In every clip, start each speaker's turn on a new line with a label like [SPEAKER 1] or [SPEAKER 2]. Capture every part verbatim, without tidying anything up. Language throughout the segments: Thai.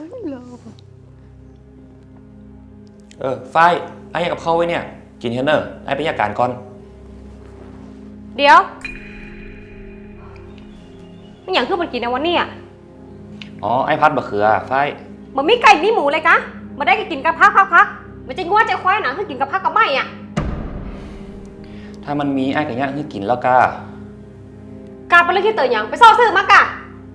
[SPEAKER 1] เออฝ้ายไอ้กับเข้าไว้เนี่ยกินเฮนเนอร์ไอ้ไปยาการก่อน
[SPEAKER 2] เดี๋ยวไม่อย่างคือมันกินในวันนี้อ่ะ
[SPEAKER 1] อ๋อไอ้พัดบะเขือฝ้าย
[SPEAKER 2] มันไม่ไก่นี่หมูเลยกะมาได้กินกับพักพักพักมันจะงัวใจควายหนังคือกินกับพักกับไม่อ่ะ
[SPEAKER 1] ถ้ามันมีไอ้กับย่างคือกินแล้วกะ
[SPEAKER 2] กาไปเรื่องที่เตยอย่างไปซ่อซื้อมากะ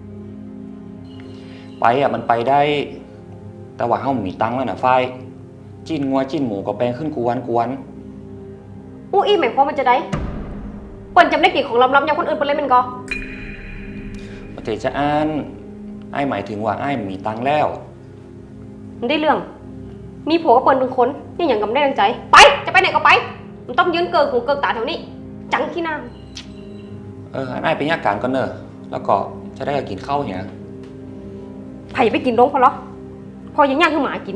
[SPEAKER 1] ไปอ่ะมันไปได้แต่ว่าเฮามีตังค์แล้วนะฝ้ายจิ้นงัวจิ้นหมูก็แปลงขึ้นกวนกวน
[SPEAKER 2] อู้อี้หมายความมันจะได้เปิ้นจำได้กี่ของล้ำๆอย่างคนอื่นเปิ้นเลยมันก็
[SPEAKER 1] ประเทศจะอ่านไอ้หมายถึงว่าไอ้มีตังค์แล้ว
[SPEAKER 2] มันได้เรื่องมีผัวกับเปิ้นเป็นคนนี่อย่างกับได้ดังใจไปจะไปไหนก็ไปมันต้องยืนเกินหูเกินตาแถวนี้จังที่หน้า
[SPEAKER 1] เออไอ้ไปยาการก่อนเนอะแล้วก็จะได้กินข้าวเนี่ย
[SPEAKER 2] ไผ่ไปกินลงพอหรอพอยังย่างคือหมากิน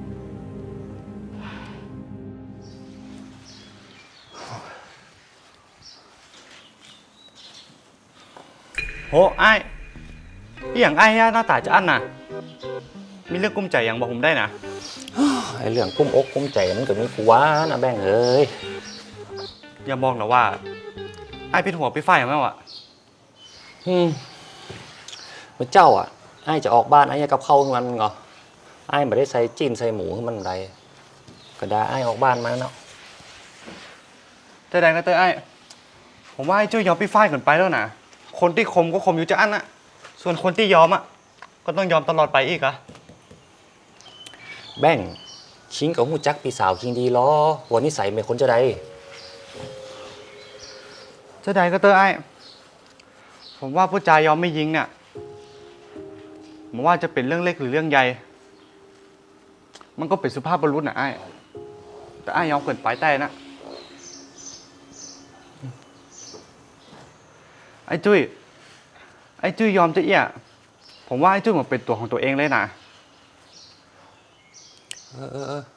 [SPEAKER 3] โหไอ้อีอย่างไอ้หน้าตาจะอั้นน่ะมีเรื่องกุ้มใจอย่างบอกผมได้นะ
[SPEAKER 1] ไอ้เรื่องกุ้มอกกุ้มใจมันก็มีกูว่านะแบงเอ้ย
[SPEAKER 3] อย่าบอกนะว่าไอ้เป็นหัวไปไฟอย่างนั้นวะ
[SPEAKER 1] อืมพระเจ้าอ่ะไอ้จะออกบ้านไอ้กับเข้ามันเหรอไอ้ไม่ได้ใส่จีนใส่หมูให้มันไรก็ได้ไอ้ออกบ้านมาเนาะ
[SPEAKER 3] แต่ใดก็เตอไอ้ผมว่าไอ้เจ้ายอมไปไฟเกินไปแล้วนะคนที่คมก็คมอยู่จะอั้นอะส่วนคนที่ยอมอะก็ต้องยอมตลอดไปอีกอะ
[SPEAKER 1] แบงชิงกับหูจักพี่สาวคิงดีล้อวันนี้ใส่เป็นคนจะใด
[SPEAKER 3] จะใดก็เตอไอ้ผมว่าผู้ชายยอมไม่ยิงเนี่ยผมว่าจะเป็นเรื่องเล็กหรือเรื่องใหญ่มันก็เป็นสุภาพบุรุษนะไอ้แต่ไอ้ยอมเกินไปแต่นะไอ้จุ้ยไอ้จุ้ยยอมจะเอี้ยผมว่าไอ้จุ้ยมันเป็นตัวของตัวเองเลยนะ
[SPEAKER 1] เออเออเออ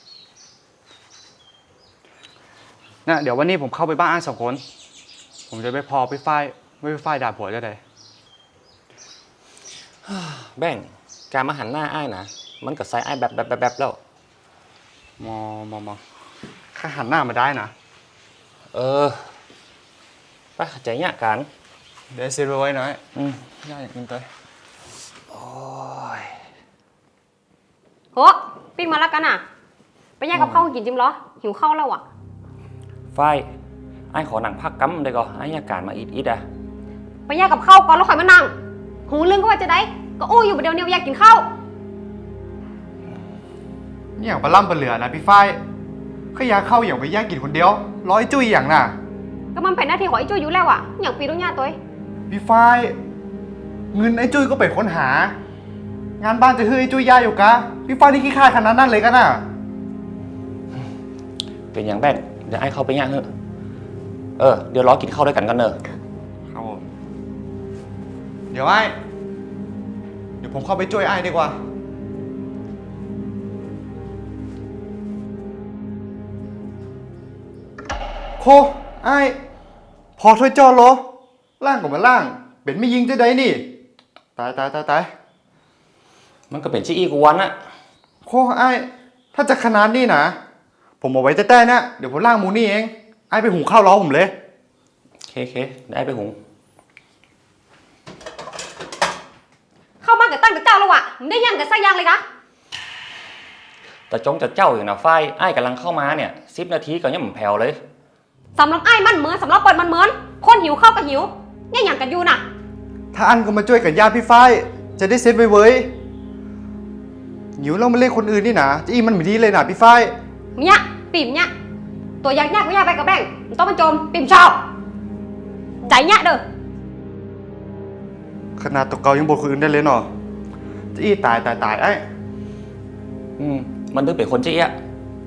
[SPEAKER 3] นะเดี๋ยววันนี้ผมเข้าไปบ้านไอ้สองคนผมจะไปพอไปฝ้ายไม่ไปฝ้ายด่าผัวจะได้
[SPEAKER 1] แบงการมาหันหน้าไอ้นะมันก็ใส่ไอ้แบบแบบแบบแบบแล้ว
[SPEAKER 3] มอมอมอข้าหันหน้ามาได้นะ
[SPEAKER 1] เออไปใจเนี้ยกัน
[SPEAKER 3] เดี๋ยวซื้อไว้หน่อย
[SPEAKER 1] อืม
[SPEAKER 3] ย่าอยากกินไป
[SPEAKER 1] โอ้ย
[SPEAKER 2] โหปิ้งมาแล้วกันอ่ะไปแยกกับข้าวกินจิ้มเหรอหิวข้าวแล้วอ่ะ
[SPEAKER 1] ไฟไอ้ขอหนังพักกั๊มได้ก่อนไอ้ยาการมาอิดอิดอะ
[SPEAKER 2] ไปแยกกับข้าวก่อนแล้วค่อยมานั่งหูเรื่องก็ว่าจะได้ก็อู้อยู่เดียวเดียวอยากกินข้าว
[SPEAKER 3] นี่อย่างปลาล่ำปลาเหลือนะพี่ฝ้ายขยาเข้าอย่างไปแยกกินคนเดียวร้อยจุ้ยอย่างน่ะ
[SPEAKER 2] ก็มันเป็นหน้าที่ของไอ้จุ้ยอยู่แล้วอ่ะอย่างปีรุ่งญาตัว
[SPEAKER 3] พี่ฝ้ายเงินไอ้จุ้ยก็ไปค้นหางานบ้านจะเฮ้ยไอ้จุ้ยยาอยู่กะพี่ฝ้ายนี่ขี้ข้าขนาดนั้นเลยกันน่ะ
[SPEAKER 1] เป็นอย่างแบงเดี๋ยวไอ้เข้าไปย่างเถอะเออเดี๋ยวรอกินข้าวด้วยกันกันเนอะ
[SPEAKER 3] ครับผมเดี๋ยวไอ้เดี๋ยวผมเข้าไปช่วยไอ้ดีกว่าโคไอ้พอถ้วยจอเหรอล่างก็มาล่างเป็นไม่ยิงจะได้นี่ตายตายตายตาย
[SPEAKER 1] มันก็เป็นชี้อีกวันอะ
[SPEAKER 3] โคไอ้ถ้าจะขนาดนี้นะผมเอาไว้แต่แต่นะเดี๋ยวผมล่างหมูนี่เองไอ้ไปหุงข้าวรอผมเลย
[SPEAKER 1] เคเคได้ไปหุง
[SPEAKER 2] เข้าบ้านกับตั้งกับเจ้าแล้วอ่ะมันได้ย่างกับไส้ย่างเลยนะ
[SPEAKER 1] แต่จงจะเจ้าอย่างนะไฟไอ้กำลังเข้ามาเนี่ยสิบนาทีก็ยังเหมือนแผ่วเลย
[SPEAKER 2] สำหรับไอ้มันเหมือนสำหรับเปิดมันเหมือนคนหิวข้าวก็หิวเนี่ยอย่างกันอยู่น่ะ
[SPEAKER 3] ถ้าอันก็มาช่วยกันญาติพี่ฝ้ายจะได้เซ็ตไว้เว้ยหิวแล้วมาเล่นคนอื่นนี่นะจะอีมันไม่ดีเลยนะพี่ฝ้าย
[SPEAKER 2] เนี่ยปิ่มเนี่ยตัวยักษ์ยากก็ยากไปกับแบงมันต้องมาโจมปิ่มชอบใจเนี่ยเด้อ
[SPEAKER 3] ขนาดตัวเก่ายังบทคนอื่นได้เลยเนาะจะอีตายตายตายไอ้
[SPEAKER 1] อืมมันถึงเป็นคนชี้อะ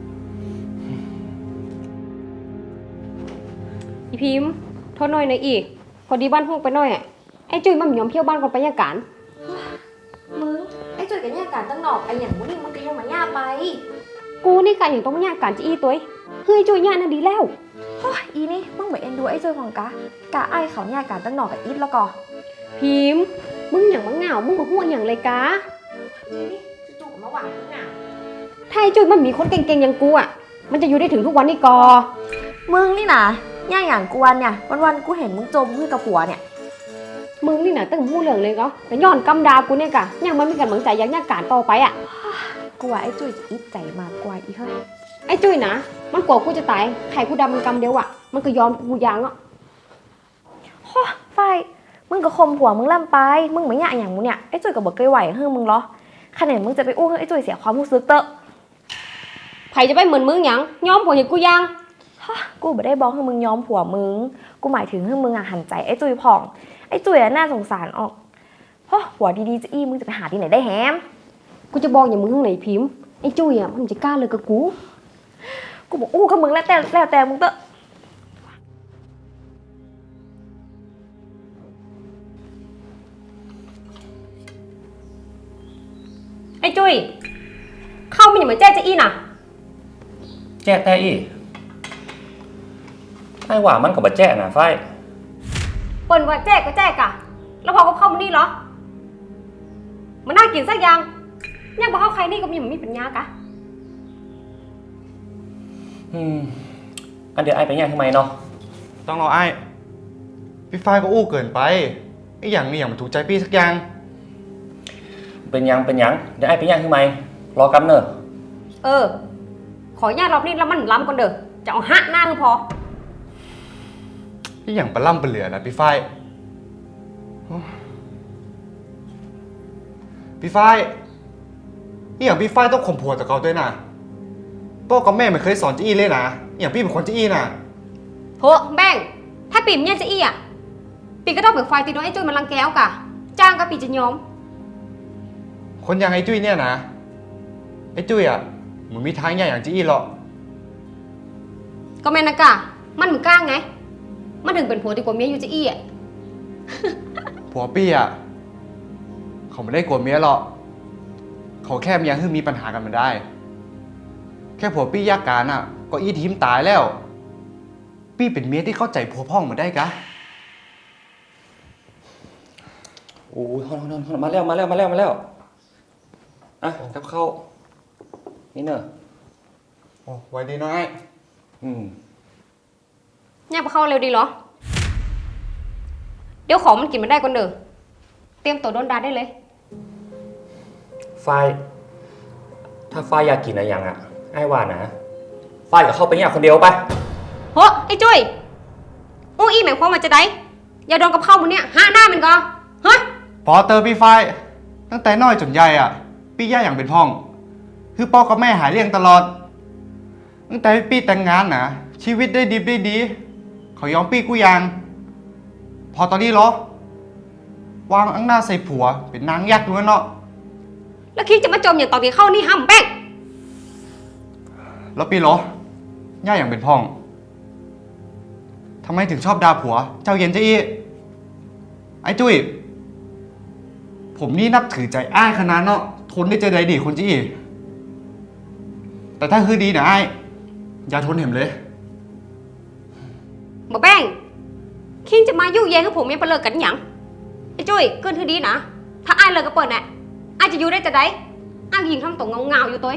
[SPEAKER 2] อีพิมพ์โทษหน่อยนะอีกพอดีบ้านห้องไปหน่อยอ่ะไอ้จุ้ยมันยอมเที่ยวบ้านก่อนไปยาการ
[SPEAKER 4] มึงไอ้จุ้ยกับยาการตั้งหนอกไอ้อย่างมึงนี่มันก็ยังมาย่าไป
[SPEAKER 2] กูนี่การอย่างต้องมายาการจะอีตัวเฮ้ยจุ้ยยาน่ะดีแล้ว
[SPEAKER 4] โอ้ยอีนี่มึงเหมือนเอ็นดูไอ้จุ้ยของกะกะไอ้เขายาการตั้งหนอกกับอีทแล้วก็
[SPEAKER 2] พิมพ์มึงอย่างมังเหงามึงบอกหัวอย่างเลยกะ
[SPEAKER 4] จู่ๆก็มาหวังมึงอ่ะ
[SPEAKER 2] ถ้าไอ้จุ้ยมันมีคนเก่งๆอย่างกูอ่ะ มันจะอยู่ได้ถึงทุกวันนี้กอ
[SPEAKER 4] มึงนี่นะย่าอย่างกวนเนี่ยวันๆกูเห็นมึงจมมือกับผัวเนี่ย
[SPEAKER 2] มึงนี่น่ะตั้งหูเหลืองเลยก็แต่ย้อนกำดากูเนี่ยกะยังมันมีกำลังใจอยากยากการต่อไปอ่ะ
[SPEAKER 4] กูว่าไอ้จุ้ยจะอิจใจมากกว่าอีกเฮ้ย
[SPEAKER 2] ไอ้จุ้ยนะมันกลัวกูจะตายไข่กูดำมันกำเดียวอ่ะ มันก็ยอมกูยางอ่ะ
[SPEAKER 4] ไฟมึงก็คมผัวมึงล่ำไปมึงไม่ย่าอย่างมึงเนี่ยไอ้จุ้ยก็บอกเคยไหวเฮ้ยมึงเหรอขนาดมึงจะไปอู้ให้ไอ้จุ้ยเสียความรู้สึกเตอะ
[SPEAKER 2] ไผ่จะไปเหมือนมึงหยังยอมผัวอย่างกูยาง
[SPEAKER 4] กูไม่ได้บอกให้มึงยอมผัวมึงกูหมายถึงให้มึงอ่ะหันใจไอ้จุ้ยผ่องไอ้จุ้ยอ่ะน่าสงสารออกเพราะผัวดีๆจะอี้มึงจะไปหาที่ไหนได้แฮม
[SPEAKER 2] กูจะบอกอย่างมึงข้างไหนพิมพ์ไอ้จุ้ยอ่ะมันจะกล้าเลยกับกู
[SPEAKER 4] กูบอกอู้กับมึงแล้วแต่แล้วแต่มึงเตอะ
[SPEAKER 2] ไอ้จุ้ยเข้ามันอย่ามาแจ้จะอี้น่ะ
[SPEAKER 1] แจ้แต่อีไอ้ว่ามันก็บ่แจ้น่ะไฟ
[SPEAKER 2] เปิ่นว่าแจ้ก็แจ้กะ แล้วพอก็เข้ามานี่เหรอ มันน่ากินสักอย่างยังบอกเข้าใครนี่ก็มีมันมีปัญญากะ
[SPEAKER 1] อืมอันเดี๋ยวไอ้ไปย่างทำไมเนาะ
[SPEAKER 3] ต้องรอไอ้พี่ฝ้ายก็อู้เกินไปไอ้อย่างนี้อย่างมันถูกใจพี่สักอย่าง
[SPEAKER 1] เป็นหยังเป็นหยังเดี๋ยวไอ้ไปย่างทำไมรอกำเนอะ
[SPEAKER 2] เออ ขออนุญาตรอบนี้แล้วมันล้ำก่อนเด้อจะเอาฮะหน้ามึงพอ
[SPEAKER 3] พี่อย่างปลาล่ำปลาเหลือนะพี่ฝ้ายโอ้พี่ฝ้ายนี่อย่างพี่ฝ้ายต้องข่มผัวต่อเขาด้วยนะพ่อกับแม่ไม่เคยสอนจี้เลยนะอย่างพี่เป็นคนจี้น่ะ
[SPEAKER 2] โหแบ่งถ้าปีมเนี่ยจะอี้อ่ะ ปีก็ต้องเบิกไฟตีโดนไอ้จุ้ยมันรังแก้วกะ จ้างก็ปีจะยอม
[SPEAKER 3] คนอย่างไอ้จุ้ยเนี่ยนะไอ้จุ้ยอ่ะมึงมีทางอย่างอย่างจี้หรอก
[SPEAKER 2] ก็แม่นนะกะ มันมึงกล้างไง มันถึงเป็นผัวดีกว่าเมียอยู่จะอี้อ่ะ
[SPEAKER 3] ผัวพี่อ่ะเขาไม่ได้กลัวเมียหรอกเขาแค่มีอย่างที่มีปัญหากันมันได้ แค่ผัวพี่ยากการอ่ะ ก็อีทีมตายแล้ว พี่เป็นเมียที่เข้าใจผัวพ่องมาได้กะ
[SPEAKER 1] โอ้ยฮอนๆๆมาแล้วมาแล้วมาแล้วมาแล้วอ่ะกับข้าวนี่เนอะ
[SPEAKER 3] โอ้ไว้ดีน้อย
[SPEAKER 1] อืม
[SPEAKER 2] เนี่ยไปเข้าเร็วดีเหรอ เดี๋ยวของมันกินไม่ได้ก่อนเด้อ เตรียมตัวโดนดาได้เลย
[SPEAKER 1] ไฟถ้าไฟอยากกินอะไรอย่างอ่ะไอ้ว่านะไฟก็เข้าไปย่างคนเดียวไป
[SPEAKER 2] โหไอ้จุ้ยอู้อี้หมายความว่าจะได้อย่าโดนกับข้าวมึงเนี่ยห้าหน้ามันก็ฮะ
[SPEAKER 3] พอเตอร์พี่ฝ้ายตั้งแต่น้อยจนใหญ่อ่ะ พี่ย่าอย่างเป็นพ่อง คือพ่อกับแม่หายเลี้ยงตลอด ตั้งแต่พี่แต่งงานนะชีวิตได้ดีได้ดี เขายอมพี่กูยัง พอตอนนี้เหรอ วางอังหน้าใส่ผัว เป็นนางยักษ์ด้วยเนาะ
[SPEAKER 2] แล้วคิดจะมาจมอย่างตอนที่เข้านี่ห้ำแป้ง
[SPEAKER 3] แล้วพี่เหรอย่าอย่างเป็นพ่องทำไมถึงชอบด่าผัว เจ้าเย็นเจ้าอี้ไอ้จุ้ยผมนี่นับถือใจอ้ายขนาดเนาะทนได้เจอใดดีคนจี้แต่ถ้าคือดีนะไอ้ายอย่าทนเห็มเลย
[SPEAKER 2] บ่แป้งคิงจะมายุ่งแย่งกับผมยังไปเลิกกันหยังไอ้จุ้ยเกินทีดีนะ ถ้าอ้ายเลิกก็เปิดแหละอ้ายจะอยู่ได้จะได้อ้ายยิงทำตรงเงาๆอยู่ตัว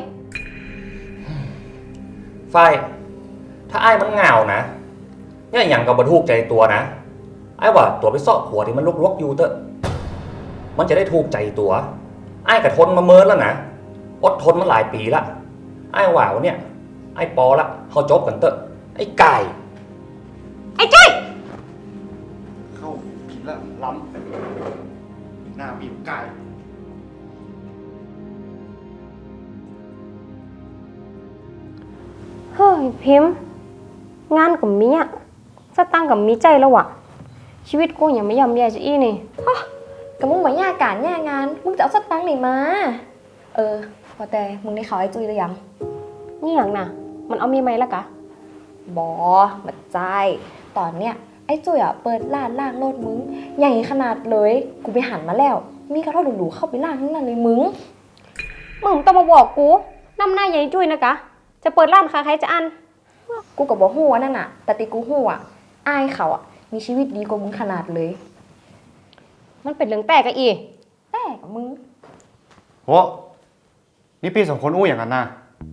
[SPEAKER 1] ไฟถ้าไอ้มันเหงานะเนี่ยอย่างกับบรรทุกใจตัวนะไอ้ว่าตัวไปเสาะหัวที่มันลกๆอยู่เตอะมันจะได้ถูกใจตัวไอ้กระทนมาเมินแล้วนะอดทนมาหลายปีละไอ้ว่าวันเนี่ยไอ้ปอละเขาจบกันเตอะไอ้ไก่
[SPEAKER 2] ไอ้จุ้ย
[SPEAKER 3] เข้าผิดแล้วล้ำหน้าบีบไก่
[SPEAKER 2] เฮ้ยพิมพ์ งานกับมีอ่ะสตังค์กับมีใจแล้วอะชีวิตกูยังไม่ยอมแย่จะอี้นี่
[SPEAKER 4] กับมึงมาย่าการย่างานมึงจะเอาสตังค์ไหนมา เออพอแต่มึงได้ข่าวไอ้จุ้ยหรือยัง
[SPEAKER 2] นี่อย่างน่ะ มันเอามีไหมละกะ
[SPEAKER 4] บอบัดใจตอนเนี้ยไอ้จุ้ยอ่ะเปิดร้านล่างรถมึงใหญ่ขนาดเลยกูไปหันมาแล้ว มีกระทะหรูๆเข้าไปล่างทั้งนั้นเลยมึง
[SPEAKER 2] มึงต้องมาบอกกูน้ำหน้าใหญ่จุ้ยนะกะ จะเปิดร้านค้าใครจะอัน
[SPEAKER 4] กูกับบอกหัวนั่นน่ะ แต่ติกูหัวอายเขาอ่ะมีชีวิตดีกว่ามึงขนาดเลย
[SPEAKER 2] มันเป็นเรื่องแปลกอะอี
[SPEAKER 4] แต่กับมึง
[SPEAKER 3] โอ้นี่พี่สองคนอู้อย่างนั้นนะ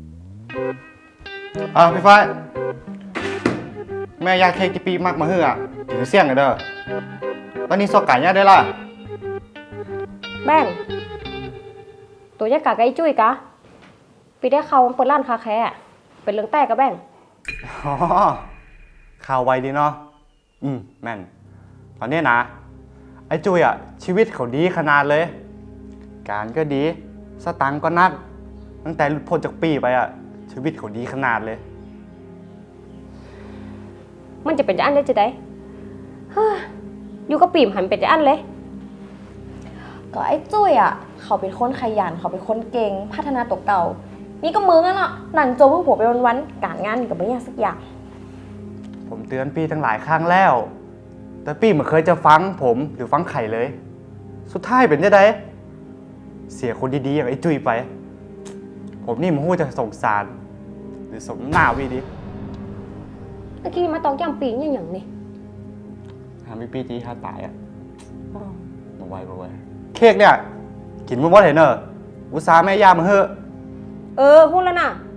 [SPEAKER 3] อ่ะพี่ฝ้ายแม่ยากเค้กที่ปีมักมาเฮืออ่ะถึงเสี่ยงกันเด้อตอนนี้ซอกไก่เนี่ยได้ล่ะ
[SPEAKER 2] แบ่งตัวยักษ์กะไอ้จุ้ยกะปีได้เขาเปิดร้านคาแคร์อะเป็นเรื่องแต่กะแบ่ง
[SPEAKER 3] อ๋อข่าวไวดีเนาะอืมแม่นตอนนี้นะ ไอ้จุ้ยอ่ะ ชีวิตเขาดีขนาดเลย การก็ดี สตังค์ก็นัก ตั้งแต่หลุดพ้นจากปีไปอ่ะ ชีวิตเขาดีขนาดเลย
[SPEAKER 2] มันจะเป็นจะอันได้จะได้เฮ้ยอยู่กับปีมหันเป็นจะอันเลย
[SPEAKER 4] ก็ไอ้จุ้ยอ่ะ เขาเป็นคนขยันเขาเป็นคนเก่งพัฒนาตัวเก่า นี่ก็มึงอ่ะเนาะหนังโจมพวกผัวไปวันๆการงานนี่ก็ไม่ยากสักอย่าง
[SPEAKER 3] ผมเตือนปีตั้งหลายครั้งแล้ว แต่ปีไม่เคยจะฟังผมหรือฟังไข่เลย สุดท้ายเป็นจะได้เสียคนดีๆอย่างไอ้จุ้ยไป ผมนี่มันหู้จะสงสาร หรือสมหน้าวีดิ
[SPEAKER 2] ตะกี้มาตองแก้มปีงอย่างนี่
[SPEAKER 3] ทำให้ปีจีถ้าตายอ่ะมาไว้มาไว้เค้กเนี่ย กินมันว่าเห็นเนอะอุตส่าห์แม่ย่ามาเฮ้อะ
[SPEAKER 2] เออพูดแล้วนะ